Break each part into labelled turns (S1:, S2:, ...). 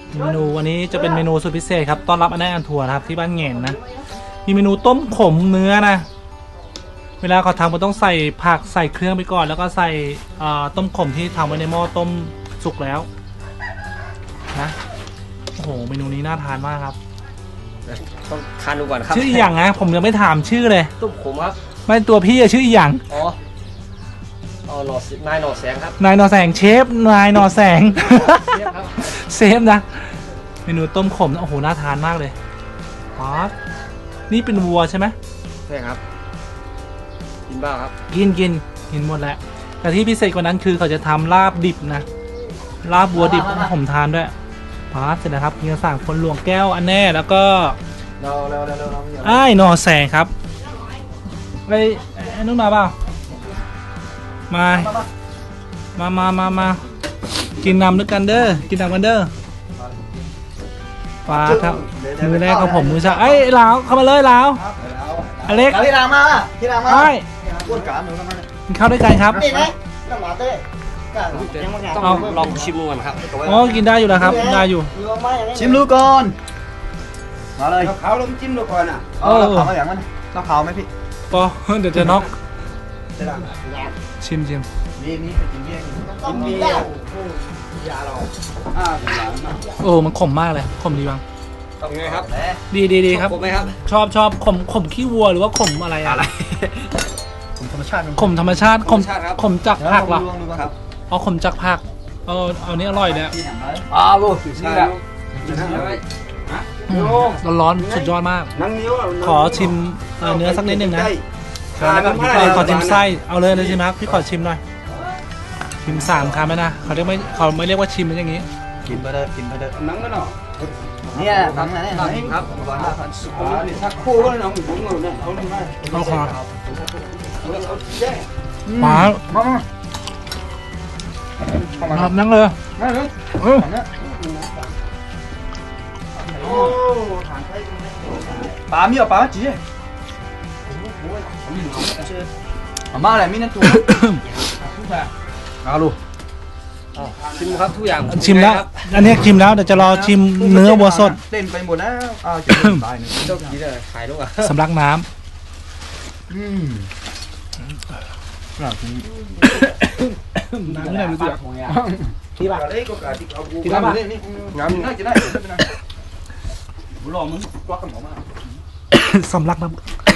S1: เมนูวันนี้จะเป็นเมนูสุดพิเศษครับต้อนรับอันแน่อันทัวร์นะครับที่บ้านแง่นนะมีเมนูต้มขมเนื้อนะเวลาเขาทำมันต้องใส่ผักใส่เครื่องไปก่อนแล้วก็ใส่ต้มขมที่ทำไว้ในหม้อต้มสุกแล้วนะโอ้โหเมนูนี้น่าทานมากครับ
S2: ต้องทานดูก่อนครับ
S1: ชื่ออีหยังนะผมยังไม่ถามชื่อเลย
S2: ต้มขมครับ
S1: ไม่ตัวพี่อะชื่ออีหยัง
S2: อ๋อหน่อนายหน่อแสงครับ
S1: นายนอแสงเชฟนายนอแสง
S2: เชฟครับ
S1: เซฟนะเมนูต้มขมนะโอ้โหน่าทานมากเลยป๊าดนี่เป็นวัวใช่ไหม
S2: ใช่ครับกินบ้างครับ
S1: กินหมดแล้วแต่ที่พิเศษกว่านั้นคือเขาจะทำลาบดิบนะลาบวัวดิบผมทานด้วยป๊าดเสร็จแล้วครับมีกระสั่งคนหลวงแก้วอันแน่แล้วก็
S2: เรา
S1: ไอ้นอแสงครับไอ้นุ่นมาเปล่ามากินนำด้วยกันเด้อกินนำกันเด้อปลาครับมือแรกของผมมือซ้ายเอ้ยลาวเข้ามาเลยลาวอเล็ก
S3: พี่รามาพี่รามา
S1: ไอ้
S3: พูดกับหนูทำไม
S1: กินข้าวด้วยกันครับ
S3: นี่นะน้ำหมาเต้กันยังไม่
S2: ต้องลองชิมดูก่อนครับ
S1: อ๋อกินได้อยู่แล้วครับได้อยู่
S3: ชิมดูก่อนมาเลยเขาลงจิ้มดูก่อนอ่ะเราขาวมาอย่างมันเราขาวไหมพี่
S1: ปอเดี๋ยวจะน็อกชิม
S3: นี่กินเบียร์กินเบียร์ยาเรา
S1: โอ้มันขมมากเลยขมดีบ้าง
S2: ต้องไงครับ
S1: ดีครับ
S2: ขมไหมครับ
S1: ชอบขมขี้วัวหรือว่าขมอะไรอะ
S3: ผมธรรมชาติ
S1: ขมธรรมชาติขมจากผักเหรอ
S3: ครับ
S1: อ๋อขมจากผักเอานี้อร่อยเลย
S3: ลูก
S2: ใช่ครับ
S1: ร้อนๆสุดยอดมาก
S3: นังนิ้ว
S1: ขอชิมเนื้อสักนิดหนึ่งนะขอชิมไส้เอาเลยใช่ไหมครับพี่ขอชิมหน่อยชิม3 คำไหมนะเขาไม่เรียกว่าชิมเป็นอย่างนี้
S3: กินไปเลยกินไปเลย
S2: นังกันเนาะ
S3: เนี่ยทำไงเนี่ย
S2: ครับ
S3: ชักคู่ก็น้องผมเนี่ยเขาไม่ได้
S1: เอาคอ
S3: เขาแย่
S1: หมา
S3: มา
S1: นั่งเลย
S3: มาเลย
S1: เออ
S3: โอ้ปลามีเหรอปลาจีมาอะไรมีนั่นตัวเอาลูก
S2: ชิมครับทุกอย่าง
S1: ชิมแล้วอันนี้ชิมแล้วเดี๋ยวจะรอชิมเนื้อวัวสด
S3: เล่นไปหมดแล้วอ้าวจะตายหนึ่ง
S2: ต้องกินเลยขายลูกอ่ะ
S1: สำลักน้
S3: เราที
S1: ำน้ำไม่ได้รู้สึกที่บ้าน
S3: เล็กก็กาที่เอาบูนี่งามน่าจะได้บุหรี่มึงกวักกันหมอมา
S1: สำลักน้ำ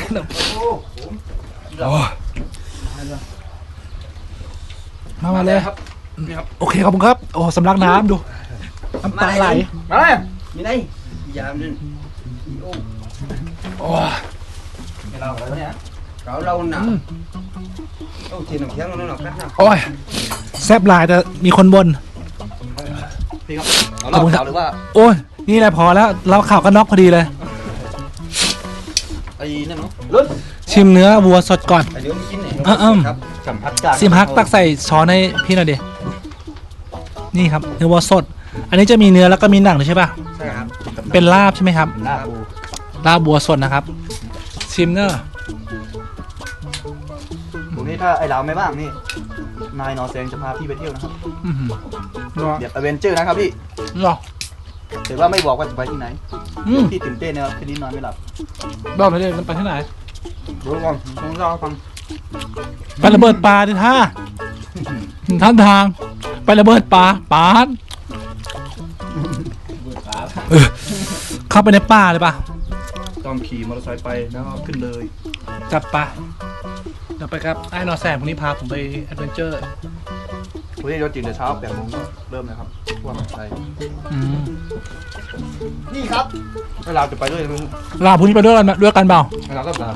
S1: มาเลย
S2: ครับนี่ครับ
S1: โอเคขอบคุณครับโอ้สำลักน้ำดูน้ำตาไหล
S3: มาเลย
S2: มีไหนยามนึง
S1: โอ้
S3: เราเนี่ย
S2: เราหนาต้องกินน้ำแข็งแล้วหน่อยกันนะ
S1: โอ้ยแซ่บหลายแต่มีคนบน
S3: พี่ครับเราเก่าหรือว่า
S1: โอ้ยนี่แหละพอแล้วเราข่าวก็น็อกพอดีเลย
S3: ไอ้นั่นเนาะลุ้น
S1: ชิมเนื้อวัวสดก่อน
S3: ไอ้เดี๋ยวมันกินเนี่ย
S2: ครับ
S3: สัมผัสจาก
S1: ซิมฮักตักใส่ช้อนให้พี่หน่อยดินี่ครับเนื้อวัวสด อันนี้จะมีเนื้อแล้วก็มีหนังด้วยใช่ป่ะ
S2: ใช่ครับ
S1: เป็นลาบใช่ไหมครับ
S3: หน้าบู
S1: ลาบวัวสดนะครับ ชิมเนอะ
S3: ตรงนี้ถ้าไอ้เราไม่บ้างนี่นายนอแซงจะพาพี่ไปเที่ยวนะครับ
S1: อื้อหือ
S3: เดี๋ยวอเวนเจอร์นะครับพี่
S1: หรอ
S3: แต่ว่าไม่บอกว่าจะไปที่ไหน
S1: อืม
S3: พี่ตื่นเต้นนะครับคืนนี้นอนไม่หลับ
S1: บอกหน่อยดิมันไปที่ไหน
S3: รู้ก่อนต้องเล่าให้ฟัง
S1: ไประเบิดปลาดิท่าท่านทาง ไประเบิดปลาปาดเออเข้าไปในป่าเลยป่ะ
S3: ต้องขี่มอเตอร์ไซค์ไปแล้วก็ขึ้นเลย
S1: จับปลาเดี๋ยวไปครับไอ้นอแสงพรุ่งนี้พาผมไปแอดเวนเจอร์
S3: วันนี้เราตื่นแต่เช้า8 โมงก็เริ่มเลยครับว่ามันไป
S1: อืม
S3: นี่ครับให้เราจะไปด้วยมึง
S1: ลาพรุ่งนี้ไปด้วยกันเปล่า
S3: ให้เราก็ตาม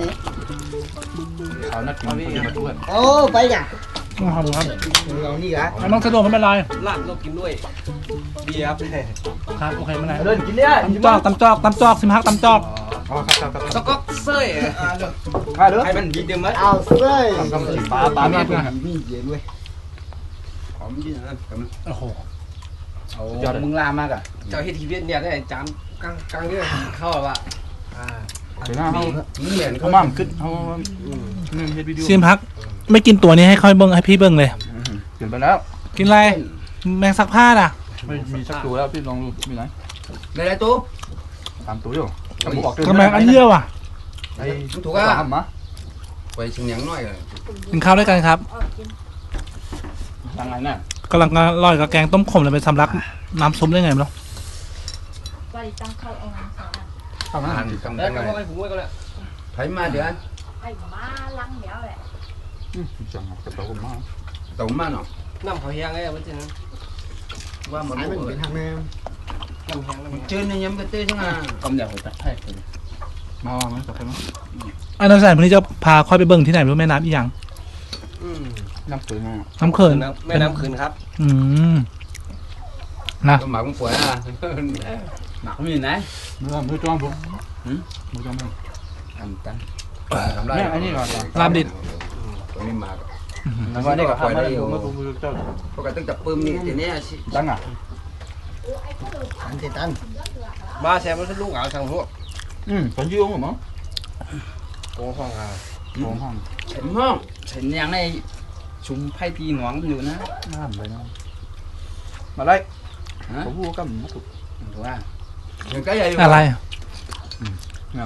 S3: เขานัดกินคนมาด้วย
S4: โอ้ไปอย่าง
S1: ต้องทำครับ
S4: เรานี่กะ
S1: น้องสะดวกไม่เป็นไร
S2: ลาบต้องกินด้วยเบียร์ครับ
S1: ครับโอเคไม่เป็นไร
S3: เดินกินเนี่ย
S1: ตำจอกซิมฮักตำจอก
S3: อ๋อครับ
S2: สก๊อกเซ่
S3: มาเด้อ
S2: ให้มันดีเดิมไหม
S4: เอาเส้ย
S3: ทำสีปลาเนี่ย
S4: นี่เย็นเว้ย
S2: หอมดีนะ
S1: โอ้โห
S3: ยอดมึงลามากอ่ะ
S2: เจ้าเฮทีเวียนเนี่ยได้จานกลางเนี่ยเข้าว่า
S3: เดี๋ยวหน้าเขา
S2: เหมือน
S3: เขามั่งขึ้นเขาเนี่ยเฮ็ดวิดีโอ
S1: ซิมฮักไม่กินตัวนี้ให้ค่อยเบิ้งให้พี่เบิ้งเลย
S3: เปลี่ยนไปแล้ว
S1: กินอะไรแมงซักผ้าน่ะ
S3: ไม่มีสักตัวแล้วพี่ลองดูมีไหน
S2: đây đây tú
S3: 3 ตัวอยู่
S1: ทำไมอันเยี่ยวอ่ะ
S3: ไอ้
S2: ถูก
S3: ตัว
S2: อ่ะ
S3: ทำมะ
S2: quay chừng nhắn nói rồi
S1: กินข้าวด้วยกันครับ
S3: ทางไหนน่ะ
S1: กำลังอร่อยกับแกงต้มขมเลยไปสำลักน้ำซุปได้ไงไม่รู้
S5: qua đi tăng khâu ông làm sao nào
S3: ทำนั้น
S2: cầm
S6: Đây,
S2: cái
S6: cầm
S2: này
S6: cái cũng cái
S2: thấy mà được anh
S5: ai má lăng đéo vậy
S3: จังกระโตกมา
S2: tổng mà nó
S6: năm hỏi hang ấy bên trên
S2: qua một
S4: ไอ้มัน
S2: lúc
S4: เป็นทางแนว
S6: năm hang năm hang
S2: trên này nhắm cái tê chứ mà
S3: กำเดียวตัดให้มาไหมตัดให้มั้ย
S1: อันนั้นแสนพรุ่งนี้จะพาค่อยไปเบิ่งที่ไหนไม่รู้แม่น้ำอีหยัง
S3: น้ำเกลือ
S1: น้ำเขิน
S6: mấy năm khẩn khắp
S1: อืมนะ
S2: cái mà cũng khỏe à
S3: หนักมีไหนมือจ้องผมมือจ้องมั้ง
S2: ăn tăng
S3: Nè, anh đi rồi.
S1: ลาบดิบ
S2: còn đi mà
S3: แล้วก็นี่ก็ทำให้ดูเมื่อผมเจ้า
S2: có cả tức tập bơm đi thì nè
S3: ตั้งอ่ะ
S4: อันเตตัน
S6: ba xe nó lúc ảo sang ruộng
S3: ตอนยืมเหรอมั้ง
S6: có hoang à
S3: โอ้ห้อง
S2: đúng không
S7: เห็นอย่างในชุมไพ่ตีหนองอยู่นะ
S3: น้ำเลยนะมาเลย
S7: ฮะ
S3: ผมพูดก็ไม่ถูก
S7: ถูกว่า
S2: những cái này
S1: อะไร
S3: งาน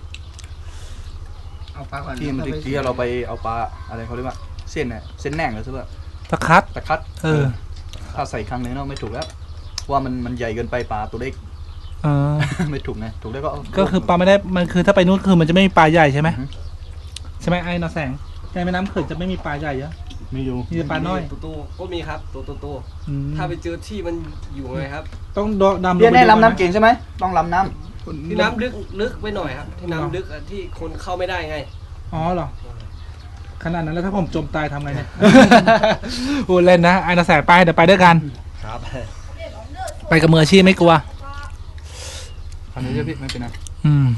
S7: เอาปลาก่อน
S3: ที่มันที่เราไปเอาปลาอะไรเขาเรียกว่าเส้นเนี่ยเส้นแหน่งเลยใช่ป่ะ
S1: ตะคัด
S3: ตะคัด
S1: เออ
S3: ถ้าใส่ครั้งนึงเนาะไม่ถูกแล้วว่ามันใหญ่เกินไปปลาตัวเล็ก
S1: เออ
S3: ไม่ถูกไงถูกแล้วก็
S1: ก็คือปลาไม่ได้มันคือถ้าไปนู้นคือมันจะไม่มีปลาใหญ่ใช่ไหม
S3: อือฮึ
S1: ใช่ไหมไอ้นอแสงในแม่น้ำเขินจะไม่มีปลาใหญ่เยอะ
S3: มีอยู่
S1: มีแต่ปลาน้อย
S6: ตัวก็มีครับตัว
S1: อืม
S6: ถ้าไปเจอที่มันอยู่ไงครับ
S1: ต้องดำ
S3: เบี้ย
S1: ไป
S3: แน่
S1: ดู
S3: ลำ
S1: ก่อ
S3: น้ำเก่งใช่ไหมต้องลำน้
S6: ที่น้ำลึกไปหน่อยครับที่น้ำลึกที่คนเข้าไม่ได้ไง
S1: อ๋อเหรอขนาดนั้นแล้วถ้าผมจมตายทำไงเนี่ย พูดเล่นนะไอ้นอแสงไปเดี๋ยวไปด้วยกัน
S6: ครับ
S1: ไปกับมืออาชีพไม่กลัว
S3: ำทำนี้เยอะพี่ไม่เป็นไร
S1: อืม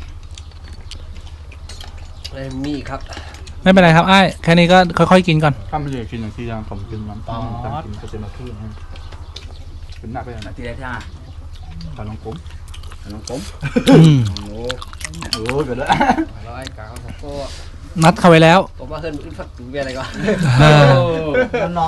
S6: มีอีกครับ
S1: ไม่เป็นไรครับไอ้แค่นี้ก็ค่อยๆกินก่อน
S3: ถ้ามันจะกินอย่างที่ยางผมกินน้ำตาลกินก็จะมาขึ้นเป็นหนักไปนะ
S7: ทีไรท่า
S3: ขาลองกุ้ม
S2: nó cốm
S1: อืม
S3: โอ้ยเกิดแล้ว
S6: ร้อยกาวของก็
S1: นัดเขาไว้แล้ว
S6: ผมว่าเฮิร์นอึดฟักถึงเบียร์อะไรก่อน
S1: เออ
S4: มันนอก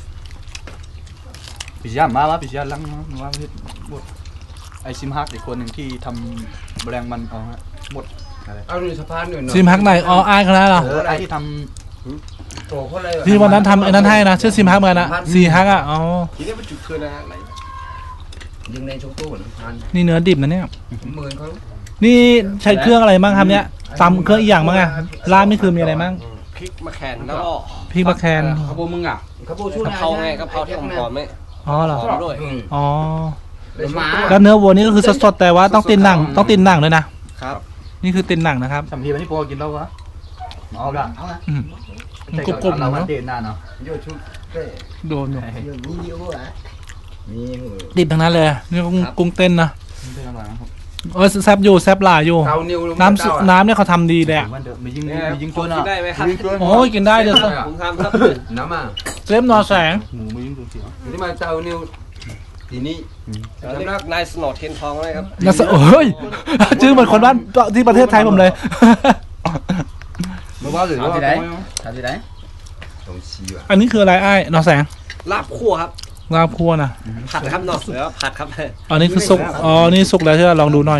S3: ปิยามาวะปิยาลังว่าไม่หมดไอซิมฮักอีกคนหนึ่งที่ทำแรงมันเอาฮะหมดอะไร
S2: ao đi sắp phán rồi nó
S1: ซิมฮักไหนอ๋อไอ้เขานั้นเหรอ
S3: ไอที่ท
S2: tổ có đây
S1: ที่วันนั้นทำไอ้นั้นให้นะชื่อซิมฮักเหมือนกันนะซีฮักอ่ะอ๋อ
S6: ทีนี้มันจุดคืนนะไหน
S2: dừng lên trongตู้nó phán
S1: นี่เนื้อดิบนะเนี่ย
S2: 10 không
S1: นี่ใช้เครื่องอะไรบ้างครับเนี่ยตำเครื่องอีกอย่างบ้างอะลาบนี่คือมีอะไรบ้าง
S6: พริกมะแขนแล้วก็
S1: พริกมะแคน
S7: ขบวนมึงอ่ะ
S2: có bộ
S6: กะเพราไงกะเพราที่หอมๆไหม
S1: อ๋อเหรอ
S6: หอมด้วย
S2: ừ
S1: อ๋อ
S2: để má
S1: แล้วเนื้อวัวนี่ก็คือสดๆแต่ว่าต้องตินหนังต้องตินหนังด้วยนะครับ นี่คือตินหนังนะครับ
S3: ำทำทีวันนี้พอกินแล้ววะเอาละ
S4: เอาละ
S1: อืม
S3: กรุบๆเราวันเด่นหน้าเนาะ
S2: vô chút cái
S1: โดนอยู่
S4: เดี๋ยวนี้เดียวอ่ะ
S2: mi
S1: ดิบทั้งนั้นเลยนี่กุ้งเต้นนะ
S3: ไม่อร่อยนะครับ
S1: เออแซบอยู่แซบหลายอยู่
S2: tao niu luôn
S1: น้ำน้ำเนี่ยเขาทำดีเลยอะ
S3: มันเดือดมียิง
S6: เนี่ย
S3: มียิง
S6: ผ
S3: ตัว
S6: ม
S3: เนาะ
S6: กินได้ไหมครับ
S1: โอ้ยกินได้เดี๋ยว
S6: ผมทำครับ
S2: nắm à
S1: เซฟนอแสง
S3: หมูมียิงตัวเสียว
S2: nhưng mà tao niu thì ni
S6: เรียกนายสโนว์เทียนทองเลยครับ
S1: นะโอ้ยชื่อเหมือนคนบ้านที่ประเทศไทยผมเลย
S3: ไม่ว่าหรือว่า
S7: ถามที่ไหน
S2: đồng xì à
S1: อันนี้คืออะไรไอ้นอแสง
S6: ลาบคั่วครับ
S1: ลาบคั่วนะ
S6: ผัดครับเนาะหรือว่าผัดครับ
S1: อันนี้คือสุกอ๋อนี่สุกแล้วใช่ไหมลองดูหน่อย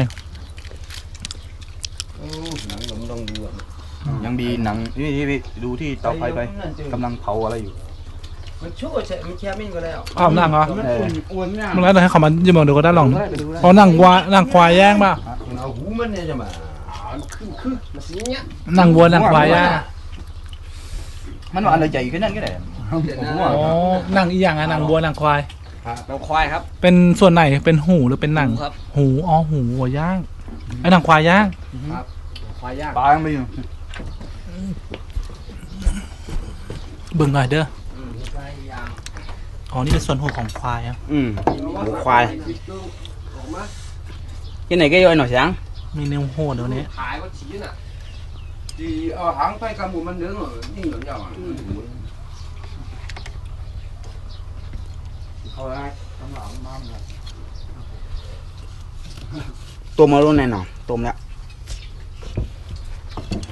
S2: nắng nóng đông đủ
S3: ยังมีหนังนี่ดูที่เตาไฟไปกำลังเผาอะไรอยู่
S2: มันชั่วใช่มันแค่ไม่ก็แล้ว
S1: อ้าวหนังเหรอ
S7: อ้วนเนี่ย
S1: มันแล้วให้เขามายืมดูก็ได้ลองอ๋อหนังวัวหนังควายย่างป่ะ
S2: เอาหูมันเนี่ยจะมา
S6: คือมาสีเนี้ย
S1: หนังวัวหนังควายย่าง
S3: มันว่าอะไรใหญ่ขึ้นนั่นก็ได้
S1: อ๋อหนังอีกอย่างอะหนังวัวหนังควาย
S6: น้องควายครับ
S1: เป็นส่วนไหนเป็นหูหรือเป็นหนัง
S6: หูครับ
S1: หูอ๋อหูวัวย่างไอ้หนังควายย่าง
S6: ควายย่าง
S3: ปลายังไม่อยู่
S1: เบิ่งหน่อยเด้ออ๋อนี่เป็นส่วนหูของควายอะ
S7: หมูควายcái này cái ơi nổi sáng
S1: มีเนื้อโหดเดี๋ยวนี้
S6: ขายก็ชี้น่ะ
S2: thì hãng phải cầm một mình nướng rồi nhưng mà nhau
S7: ตัวมาลุ้นแน่นอนตัวแล้ว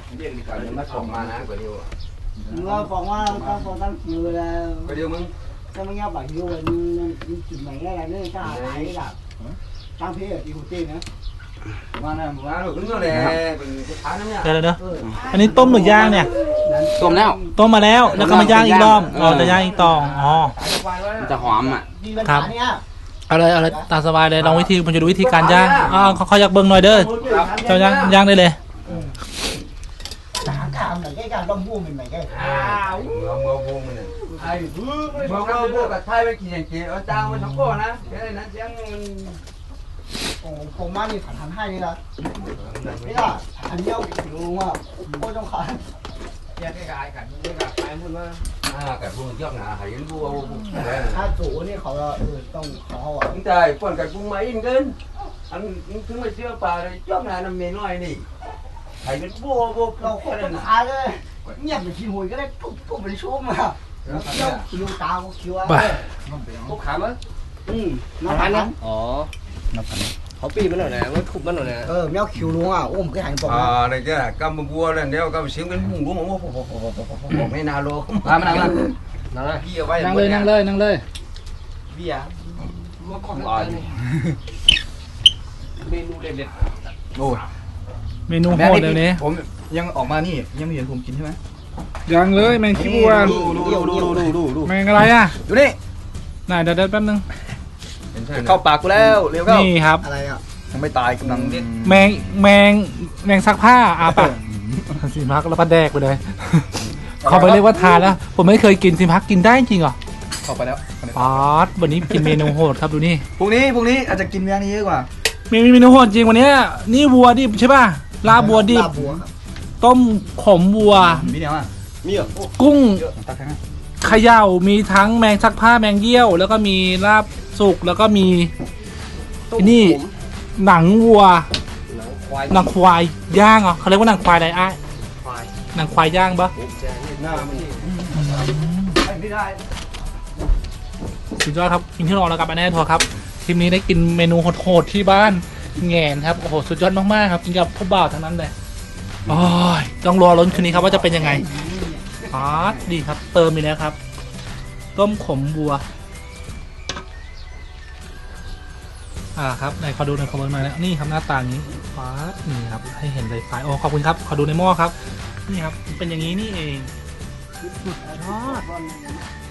S2: nó còn mà nè có điều
S4: เราบอกว่าเราต้องตั้งคิวแล้ว
S2: có điều mừng
S4: ถ้าไม่งับแบบยูมันจุดไหนอะไรเนี่ยถ้าหายแบบตั้งเพจอีโคตี้นะ
S2: มาหน้ามาลูกนึกเลยเป็นทานน้ำเนี่ย
S1: เดี๋ยวเดี๋ยวอันนี้ต้มหรือย่างเนี่ย
S7: ต้มแล้ว
S1: ต้มมาแล้วแล้วก็มาย่างอีกรอบอ๋อจะย่างอีกต่ออ๋อ
S7: มันจะหอมอ่ะ
S4: มีปัญหาเนี่ย
S1: เอาเลยตามสบายเลยลองวิธีผมจะดูวิธีการย่างเขาอยากเบิ่งหน่อยเด้อเจ้าย่างได้เลย
S4: หาการเหมือนแค่การต้มม่วงเป็นไหมแค่
S2: มือพวงมันเนี่ยไอ้บอกเราพวกกับไทยไปกินอย่างเงี้ยเอาจางมันทั้งโก้นะแค่นั้นเสียงมัน
S4: โอ้ผมมานี่ผ่านให้นี่ละนี่ละอันนี้เอาดูว่าโคตรต้องขาย
S6: แยกกายกันไม่กับไปพูดว่า
S2: กับพวกยอดหนาหายยันบัว
S4: ถ้าสูนี่เขาต้องเขาอ่ะ
S2: ตั้งใจป้อนกับกุ้งมาอินกันอันถึงไม่เชื่อป่าเลยยอดหนาน้ำเมน้อยนี่หายยันบัวบัว
S4: เราโคตรต้องขายเลยเงียบไปขี้หวยก็ได้ปุ๊บไปชุ่มอ่ะแล้วเที่ยวคิวตาคิวอ่ะ
S6: พวกขามั้ง
S4: น้ำพันนะ
S6: อ๋อเขาปีมันหน่อยนะมันขุบมันหน่อยนะ
S4: แมวคิวลุงอ่ะโอ้ผมเคยหันปก
S2: này chứ cầm bùa lên đeo cầm xiếng đến vùng của mấy nào luôn
S3: มานั่ง
S6: นั่นนะ
S2: kia vay
S3: นั่งเลยนั่งเลยนั่งเลย
S6: เบียร์ว่าของเมนูเด็ด
S3: โอ้ย
S1: เมนูโหดเดี๋ยวนี้
S3: ผมยังออกมานี่ยังไม่เห็นผมกินใช่ไหม
S1: ยังเลยแมงขี้บัว
S3: ดู
S1: แมงอะไรอ่ะ
S3: ดูนี่
S1: ไหนเดี๋ยวแป๊บนึง
S3: เข้าปากกูแล้วเร็วเข้า
S1: นี่ครับ
S4: อะไรอ่ะ
S3: ยังไม่ตายกำลัง
S1: แมงซักผ้าปะสิมักแล้วก็แดกไปเลยเขาไปเรียกว่าทานแล้ว ผมไม่เคยกินสิมักกินได้จริงเหรอ
S3: เข้าไปแล้ว
S1: ป๊าดวันนี้กินเมนูโหดครับดูนี่
S3: พรุ่งนี้อาจจะกินเมียนี้เยอะกว่า
S1: มีเมนูโหดจริงวันนี้นี่วัวดิบใช่ป่ะลาบวัวดิบ
S4: ลาบัวครับ
S1: ต้มขมวัว
S3: มีเดียวอ่ะ
S6: ๆมีเหรอ
S1: กุ้ง
S3: ตักแค่นั้น
S1: เขย่ามีทั้งแมงซักผ้าแมงเยี่ยว แล้วก็มีลาบสุกแล้วก็มีนี่หนังวัว
S6: ควาย
S1: หนังควายย่างเหรอเขาเรียกว่าหนังควายอะไรอ้าย
S6: ควาย
S1: หนังควายย่างปะ
S2: หน้ามันไม่ได้
S1: สุดยอดครับกินที่รอแล้วกับอันแน่ทัวร์ครับทีมนี้ได้กินเมนูโหดๆที่บ้านแง่นครับโอ้โหสุดยอดมากๆครับกินกับผู้บ่าวทั้งนั้นเลยโอ้ยต้องรอลุ้นคืนนี้ครับว่าจะเป็นยังไงป๊าดดีครับ เติมอีกแล้วครับ ต้มขมวัวครับไหนขอดูในอยขอเบิ้งหน่อยนะนี่ครับหน้าตานี้ป๊าดนี่ครับให้เห็นเลยไฟโอ้ขอบคุณครับขอดูในหม้อครับนี่ครับเป็นอย่างนี้นี่เองสุดยอด